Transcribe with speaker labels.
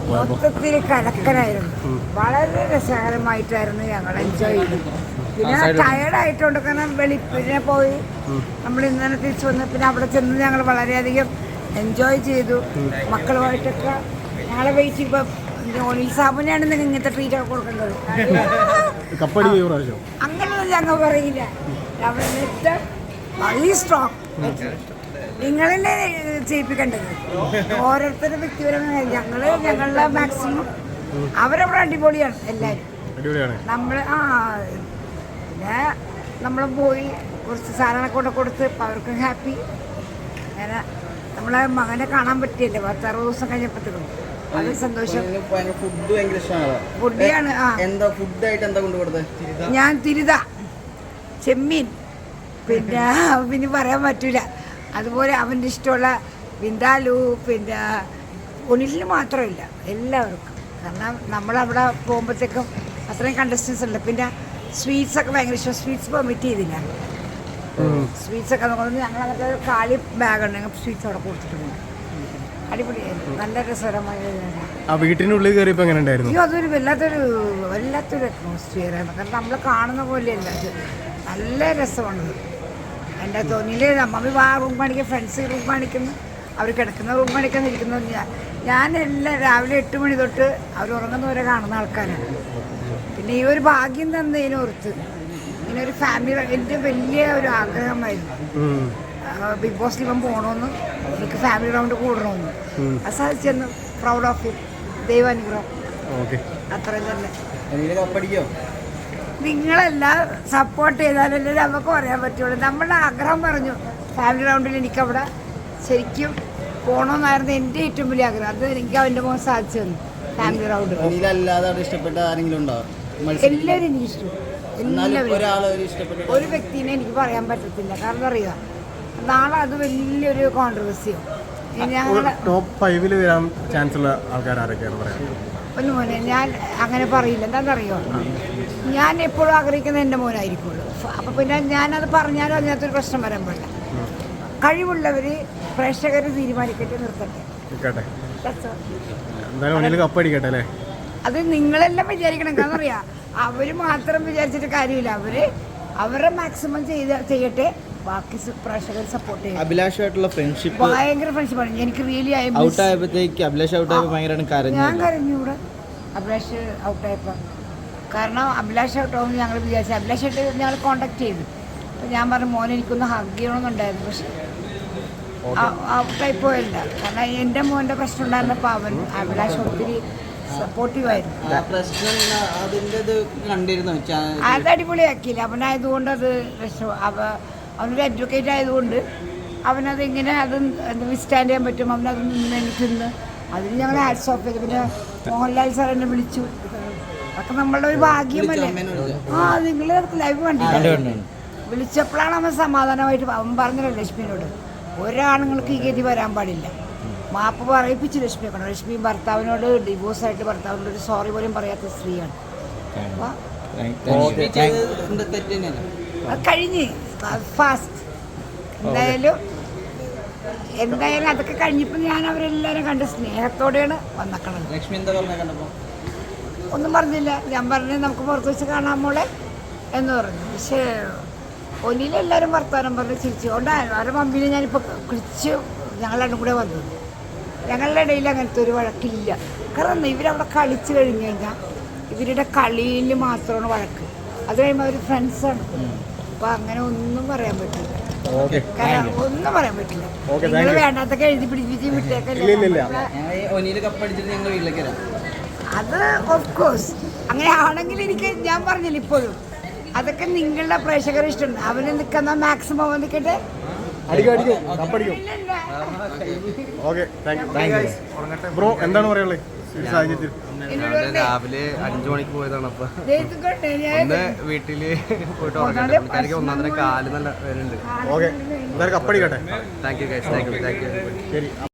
Speaker 1: മൊത്തത്തിൽ കലക്കനായിരുന്നു. വളരെ രസകരമായിട്ടായിരുന്നു ഞങ്ങൾ എൻജോയ് ചെയ്തത്. പിന്നെ ടയർഡായിട്ടുണ്ട്, കാരണം വെളിപ്പിനെ പോയി നമ്മൾ ഇന്നലെ തിരിച്ചു വന്ന് പിന്നെ അവിടെ ചെന്ന് ഞങ്ങൾ വളരെയധികം എൻജോയ് ചെയ്തു. മക്കളുമായിട്ടൊക്കെ ഞങ്ങളെ വെയിറ്റ് ഇപ്പം ഒനിൽ സാബുനാണ് നിങ്ങൾ ഇങ്ങനത്തെ ട്രീറ്റ് ഒക്കെ കൊടുക്കേണ്ടത്. അങ്ങനെയൊന്നും ഞങ്ങൾ പറയില്ല. വളരെ സ്ട്രോങ് നിങ്ങളെന്നെ ചെയ്യിപ്പിക്കേണ്ടത്. ഓരോരുത്തരുടെ വ്യക്തിപരമായ ഞങ്ങളുടെ മാക്സിമം അവരവിടെ അടിപൊളിയാണ് എല്ലാവരും. നമ്മൾ പിന്നെ നമ്മൾ പോയി കുറച്ച് സാധനങ്ങളൊക്കെ കൊണ്ട് കൊടുത്ത് അവർക്കും ഹാപ്പി. അങ്ങനെ നമ്മളെ മകനെ കാണാൻ പറ്റിയല്ലേ 10-60 ദിവസം കഴിഞ്ഞപ്പോഴത്തേക്കും അത് സന്തോഷം. ഫുഡിയാണ്. ഞാൻ തിരുത, ചെമ്മീൻ, പിന്നെ പറയാൻ പറ്റൂല. അതുപോലെ അവൻ്റെ ഇഷ്ടമുള്ള വിന്താലു, പിന്നെ ഒനിലിന് മാത്രമില്ല, എല്ലാവർക്കും. കാരണം നമ്മളവിടെ പോകുമ്പോഴത്തേക്കും അത്രയും കണ്ടസ്റ്റൻസ് ഉണ്ട്. പിന്നെ സ്വീറ്റ്സൊക്കെ ഭയങ്കര ഇഷ്ടം. സ്വീറ്റ്സ് പെർമിറ്റ് ചെയ്തില്ല. സ്വീറ്റ്സൊക്കെ നോക്കുന്നത് ഞങ്ങളതൊക്കെ കാലി ബാഗുണ്ട്, ഞങ്ങൾ സ്വീറ്റ്സ് അവിടെ കൊടുത്തിട്ടുണ്ട്. അടിപൊളിയായിരുന്നു, നല്ല രസകരമായ
Speaker 2: വീട്ടിനുള്ളിൽ കയറിയപ്പോൾ എങ്ങനെ ഉണ്ടായിരുന്നു?
Speaker 1: അയ്യോ, അതൊരു വല്ലാത്തൊരു അറ്റ്മോസ്ഫിയറാണ്. കാരണം നമ്മൾ കാണുന്ന പോലെയല്ല, അത് നല്ല രസമാണത്. എൻ്റെ തോന്നിയില്ലേ, മമ്മി റൂം കാണിക്കും, ഫ്രണ്ട്സ് റൂം കാണിക്കുന്നു, അവർ കിടക്കുന്ന റൂം കാണിക്കുന്ന ഇരിക്കുന്നത്. ഞാൻ എല്ലാം രാവിലെ 8 മണി തൊട്ട് അവർ ഉറങ്ങുന്നവരെ കാണുന്ന ആൾക്കാരാണ്. പിന്നെ ഈ ഒരു ഭാഗ്യം തന്നതിനോർത്ത് ഇങ്ങനെ ഒരു ഫാമിലി എൻ്റെ വലിയ ഒരു ആഗ്രഹമായിരുന്നു. ബിഗ് ബോസിൽ ഇവൻ പോകണമെന്ന്, എനിക്ക് ഫാമിലി റൗണ്ട് കൂടണമെന്ന്. അത് സാധിച്ചെന്ന് പ്രൗഡ് ഓഫ് യു. ദൈവാനുഗ്രഹം. അത്രയും തന്നെ. നിങ്ങളെല്ലാം സപ്പോർട്ട് ചെയ്താലല്ലേ നമുക്ക് പറയാൻ പറ്റുള്ളൂ. നമ്മളുടെ ആഗ്രഹം പറഞ്ഞു, ഫാമിലി റൗണ്ടിൽ എനിക്കവിടെ ശരിക്കും പോകണമെന്നായിരുന്നു എൻ്റെ ഏറ്റവും വലിയ ആഗ്രഹം. അത് എനിക്ക് അവൻ്റെ മോൻ സാധിച്ചു തന്നു. ഫാമിലി റൗണ്ട് എല്ലാവരും എനിക്ക് ഇഷ്ടം. എല്ലാവരും ഒരു വ്യക്തിനെ എനിക്ക് പറയാൻ പറ്റത്തില്ല. കാരണം അറിയുക, നാളെ അത് വലിയൊരു കോൺട്രവേഴ്സിയോ.
Speaker 2: ടോപ്പ് 5 വരാൻ ചാൻസ് ഉള്ള ആൾക്കാർ ആരൊക്കെയാണ് പറയാം?
Speaker 1: ഒന്ന് മോനെ, ഞാൻ അങ്ങനെ പറയില്ല. എന്താണെന്നറിയോ, ഞാൻ എപ്പോഴും ആഗ്രഹിക്കുന്നത് എൻ്റെ മോനായിരിക്കുള്ളൂ. അപ്പം പിന്നെ ഞാനത് പറഞ്ഞാലും അതിനകത്തൊരു പ്രശ്നം വരാൻ പാടില്ല. കഴിവുള്ളവർ പ്രേക്ഷകർ തീരുമാനിക്കട്ടെ, നിർത്തട്ടെ. അത് നിങ്ങളെല്ലാം വിചാരിക്കണം. കാരണം അറിയാം, അവർ മാത്രം വിചാരിച്ചിട്ട് കാര്യമില്ല. അവരുടെ മാക്സിമം ചെയ്യട്ടെ, ബാക്കി പ്രേക്ഷകർ സപ്പോർട്ട് ചെയ്യും.
Speaker 3: അഭിലാഷായിട്ടുള്ള ഫ്രണ്ട്ഷിപ്പ്
Speaker 1: ഭയങ്കര ഫ്രണ്ട്ഷിപ്പാണ്. എനിക്ക് റിയലി ഞാൻ കരഞ്ഞു ഇവിടെ അഭിലാഷ് ഔട്ടായപ്പോൾ. കാരണം അഭിലാഷ് ഔട്ടാവുമെന്ന് ഞങ്ങൾ വിചാരിച്ചു. അഭിലാഷായിട്ട് ഞങ്ങൾ കോണ്ടാക്ട് ചെയ്തു. അപ്പോൾ ഞാൻ പറഞ്ഞു, മോനെ എനിക്കൊന്ന് ഹഗ് ചെയ്യണമെന്നുണ്ടായിരുന്നു, പക്ഷെ ഔട്ടായി പോയല്ല. കാരണം എൻ്റെ മോൻ്റെ പ്രശ്നം ഉണ്ടായിരുന്നപ്പോൾ അഭിലാഷ് ഒത്തിരി സപ്പോർട്ടീവായിരുന്നു. അത് അടിപൊളിയാക്കിയില്ല. അവനായതുകൊണ്ട് അത് അവനൊരു അഡ്വക്കേറ്റ് ആയതുകൊണ്ട് അവനത് ഇങ്ങനെ അത് വിസ്റ്റാൻഡ് ചെയ്യാൻ പറ്റും. അവനത് നിന്ന് അതിന് ഞങ്ങൾ ഹാറ്റ്സ് ഓഫ് ചെയ്തു. പിന്നെ മോഹൻലാൽ സാർ എന്നെ വിളിച്ചു. അതൊക്കെ നമ്മളുടെ ഒരു ഭാഗ്യമല്ലേ. നിങ്ങൾ ലൈവ് കണ്ടില്ല? വിളിച്ചപ്പോഴാണ് അവൻ സമാധാനമായിട്ട് അവൻ പറഞ്ഞല്ലോ ലക്ഷ്മിനോട്, ഒരാണുങ്ങൾക്ക് ഈ ഗതി വരാൻ പാടില്ല. മാപ്പ് പറയിപ്പിച്ച് ലക്ഷ്മിയെ കണ്ടു. ലക്ഷ്മി ഭർത്താവിനോട് ഡിവോഴ്സായിട്ട് ഭർത്താവിനോട് ഒരു സോറി പോലും പറയാത്ത സ്ത്രീയാണ്. അത് കഴിഞ്ഞ് ഫാസ്റ്റ് എന്തായാലും അതൊക്കെ കഴിഞ്ഞപ്പോൾ ഞാൻ അവരെല്ലാവരും കണ്ട് സ്നേഹത്തോടെയാണ് വന്നേക്കണത്. ഒന്നും പറഞ്ഞില്ല. ഞാൻ പറഞ്ഞു, നമുക്ക് പുറത്ത് വെച്ച് കാണാൻ മോളെ എന്ന് പറഞ്ഞു. പക്ഷേ ഒന്നിലെല്ലാവരും വർത്താനം പറഞ്ഞ് ചിരിച്ചുകൊണ്ടായിരുന്നു. അവരുടെ മമ്മിനെ ഞാനിപ്പോൾ കുളിച്ച് ഞങ്ങളുടെ കൂടെ വന്നത്. ഞങ്ങളുടെ ഇടയിൽ അങ്ങനത്തെ ഒരു വഴക്കില്ല. കാരണം ഇവരവിടെ കളിച്ച് കഴിഞ്ഞ് കഴിഞ്ഞാൽ ഇവരുടെ കളിയിൽ മാത്രമാണ് വഴക്ക്. അത് കഴിയുമ്പോൾ അവർ ഫ്രണ്ട്സാണ്. അപ്പോൾ അങ്ങനെ ഒന്നും പറയാൻ പറ്റില്ല. ഒന്നും പറയാൻ പറ്റില്ല. നിങ്ങൾ വേണ്ടാത്തൊക്കെ എഴുതി പിടിപ്പിച്ച് വിട്ടേക്കല്ലേ. അത് ഓഫ് കോഴ്സ് അങ്ങനെ ആണെങ്കിൽ ഞാൻ പറഞ്ഞില്ല ഇപ്പോഴും, അതൊക്കെ നിങ്ങളുടെ പ്രേക്ഷകർ ഇഷ്ടമുണ്ട്. അവന് നിൽക്കുന്ന മാക്സിമം നിൽക്കട്ടെ.
Speaker 2: ബ്രോ എന്താണ് പറയാനുള്ളത്?
Speaker 3: രാവിലെ 5 മണിക്ക് പോയതാണ്. അപ്പൊ ഒന്ന് വീട്ടില് പോയിട്ട് ഉറങ്ങട്ടെ. പുള്ളിക്കാരിക്ക് 1.5 കാല് നല്ല വരുന്നുണ്ട്.
Speaker 2: ഓക്കെ, കപ്പടിക്കട്ടെ.
Speaker 3: Thank you guys, thank you.
Speaker 2: ശരി.